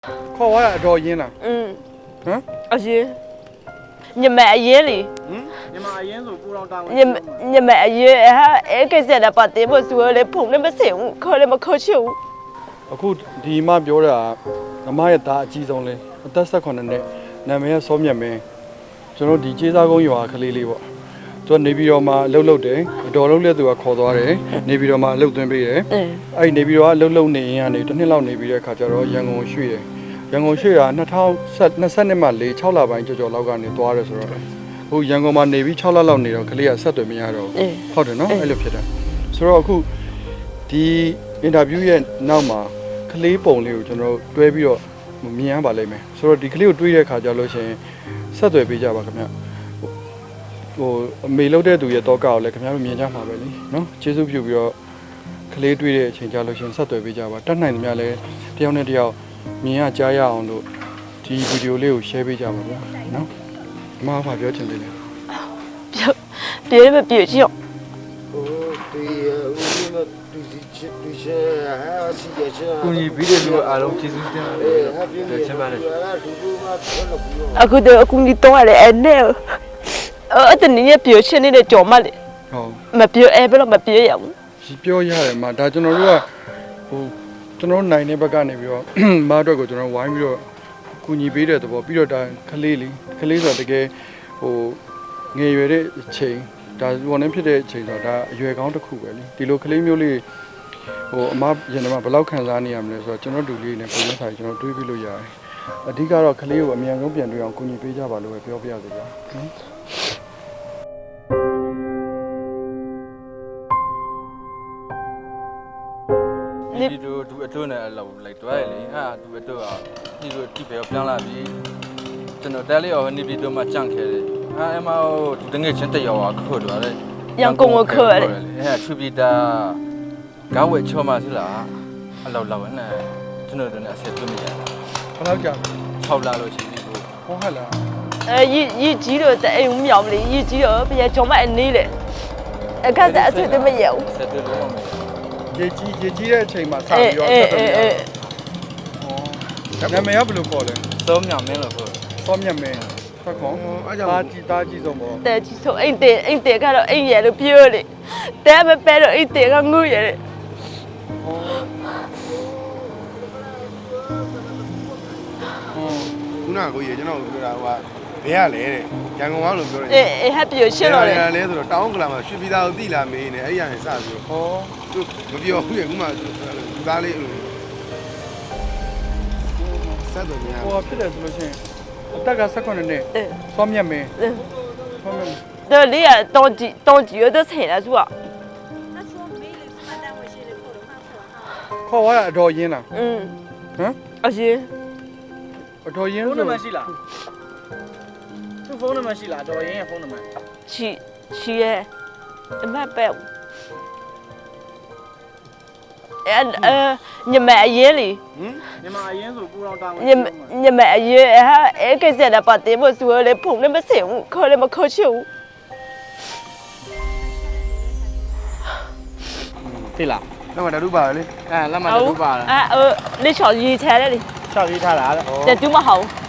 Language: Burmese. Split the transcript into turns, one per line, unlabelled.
ခေါ်သွားတာအတော်ရင်းလားဟမ်
အရင်ညမအရင်လေ
ညမအရင်ဆိုပူတော်တောင်း
ညမအရင်ဟာအဲ့ကိစ္စနဲ့ပတ်သက်ဖို့ဆိုလေဖုန်နဲ့မစင်ဘူးခေါ်လည်းမခေါ်ချင်ဘူး
အခုဒီမှပြောတာအမရဲ့သားအကြီးဆုံးလဲအသက်18နှစ်နာမည်ကစောမြတ်မင်းကျွန်တော်ဒီကျေးစားကုန်းရွာကလေးလေးပေါ့သူကနေပြီးတော့မှအလုပ်လုပ်တယ်အတော်လုံးလက်သူကခေါ်သွားတယ်နေပြီးတော့မှအလုပ်သွင်းပေးတယ်အဲ့နေပြီးတော့အလုပ်လုပ်နေရင်ကနေတစ်နှစ်လောက်နေပြီးတဲ့အခါကျတော့ရန်ကုန်ရွှေ့တယ်ရန်ကုန်ရွှေ့တာ2022မှာ6လပိုင်းကျော်လောက်ကနေသွားတယ်ဆိုတော့ဟိုရန်ကုန်မှာနေပြီး6လလောက်နေတော့ကလေးကဆက်သွယ်မရတော့ဟုတ်တယ်နော်အဲ့လိုဖြစ်တာဆိုတော့အခုဒီအင်တာဗျူးရဲ့နောက်မှာကလေးပုံလေးကိုကျွန်တော်တွဲပြီးတော့မြင်ရပါလိမ့်မယ်ဆိုတော့ဒီကလေးကိုတွေးတဲ့အခါကျလို့ရှိရင်ဆက်သွယ်ပေးကြပါခင်ဗျဟိုအမေလုပ်တဲ့သူရဲ့တော့ကောက်လည်းခင်ဗျားတို့မြင်ကြမှာပဲလीနော်ကျေးဇူးပြုပြီးတော့ကလေးတွေးတဲ့အချိန်ကြာလို့ရှိရင်ဆက်သွယ်ပေးကြပါတတ်နိုင်သမျှလည်းတယောက်နဲ့တယောက်မြင်ရကြားရအောင်လို့ဒီဗီဒီယိုလေးကို share ပေးကြပါဗျာနော်အမကပြောချင်တယ်လေ
ပြေမပြေချင်
ဟိုဒီဦးမတူချစ်ဟာစီကြချာ
ကိုကြီးဗီဒီယိုအားလုံးကျေးဇူးတင်ပါတယ်ချက်ပါတယ်
အခုတော့အခုဒီတော့လည်းအဲ့နဲ့အဲ့တနည်းပြေချင်နေတဲ့ကြော်မလေ
ဟုတ်
မပြေအဲ့ဘယ်တော့မပြေရဘူး
ဒီပြောရတယ်မှာဒါကျွန်တော်တို့ကဟိုကျွန်တော်နိုင်တဲ့ဘက်ကနေပြီးတော့မအတွက်ကိုကျွန်တော်ဝိုင်းပြီးတော့ကူညီပေးတဲ့သဘောပြီးတော့ဒါကလေးဆိုတာတကယ်ဟိုငယ်ရွယ်တဲ့အချိန်ဒါဝန်ထမ်းဖြစ်တဲ့အချိန်ဆိုတော့ဒါအရွယ်ကောင်းတစ်ခုပဲလေဒီလိုကလေးမျိုးလေးဟိုအမရင်တော့ဘယ်လောက်ခံစားနေရမလဲဆိုတော့ကျွန်တော်တို့လေးနဲ့ပုံစံဆိုင်ကျွန်တော်တွေးပြလို့ရတယ်အဓိကတော့ကလေးကိုအမြန်ဆုံးပြန်တွေ့အောင်ကူညီပေးကြပါလို့ပဲပြောပြရစေဗျာ
ဒီလိုသူအတွန်းနဲ့အလောက်လိုက်တွားရလေဟာသူအတွန်းอ่ะဒီလိုတိပဲပြန်လာပြီကျွန်တော်တဲလေးရောနေပြီးတော့မှကြန့်ခဲတယ်ဟာအမသူတငယ်ချင်းတက်ရောက်อ่ะခေါ်သွားတယ်
ရန်ကုန်ကိုခေါ်ရတယ်
အဲ့ထူပီတာကောင်းဝဲချောမဆလားအလောက်လောက်နဲ့ကျွန်တော်တို့နဲ့အဆက်သွင်းနေရတာ
ဘယ်လောက်ကြာ
6လလို့ရှိပြီကို
ဟောဟလား
ရည်ကြီးတော့တဲ့အိမ်မြောင်လေရည်ကြီးတော့ဘယ်ကြော်မအနေလေအခက်အဆက်တွေမရဘူး
ဆက်သွင်းလို့မရ
ရေကြီးတဲ့အချိန်မှာစပြီးတော့ဆက်တယ်။နာမည်ကဘယ်လိုခေါ်လဲ
။စောမြမင်းလို့ခေါ်တယ်
။စောမြမင်း။ဟုတ်ကော။အားကြောင့်တားကြီးဆုံးပေါ့
။တားကြီးဆုံးအိမ်တဲ့ကတော့အိမ်ရလို့ပြောလေ။တဲမပဲတော့အိမ်တဲ့ကငုရလေ
။ခုနကကိုကြီးကျွန်တော်ပြောတာဟိုကဘယ်ရလဲတဲ့။ရန်ကုန်ကလို့ပြောတယ်
။အေးဟပ်ပြောရှင်းတော့လေ
။ဘယ်ရလဲဆိုတော့တောင်းကလာမှာရွှေပြည်သားကိုတိလာမေးနေအဲ့ရရင်စပြီးတော့ဟောသူမပြောဘူးလေခုမှလူသားလေးဆက်တော့များ
ဟိုဖြစ်တယ်ဆိုလို့ရှိရင်အသက်က18နှစ်စောမြတ်မင်းစောမြတ်
တော့လေတော့ကြည့်ရတဲ့ဆိုင်လားသူက
ခေါ်သွားတာအတော်ရင်းလား
ဟမ်အရင်
အတော်ရင်း
ဆိုဖုန်းနံပါတ်ရှိလားသူဖုန်းနံပါတ်ရှိလားတော်ရင်းရဲ့ဖုန်းနံပါတ်
ရှိရဲ့အမပဲညမအရင်လေ
ညမအရင်ဆိုပူတော်တောင်း
ညမအရင်ဟာအဲ့ကိစ္စနဲ့ပတ်သက်ဖို့ဆိုလေဖုန်နဲ့မစင်ဘူးခေါ်လည်းမခေါ်ချင်ဘူး
သိလား
လက်မတတူပါလေ
လက်မတတူပါလား
လေးချော်ရေးထားတယ်လေ
ချောက်ရေးထားတာ
တဲ့တူမဟုတ်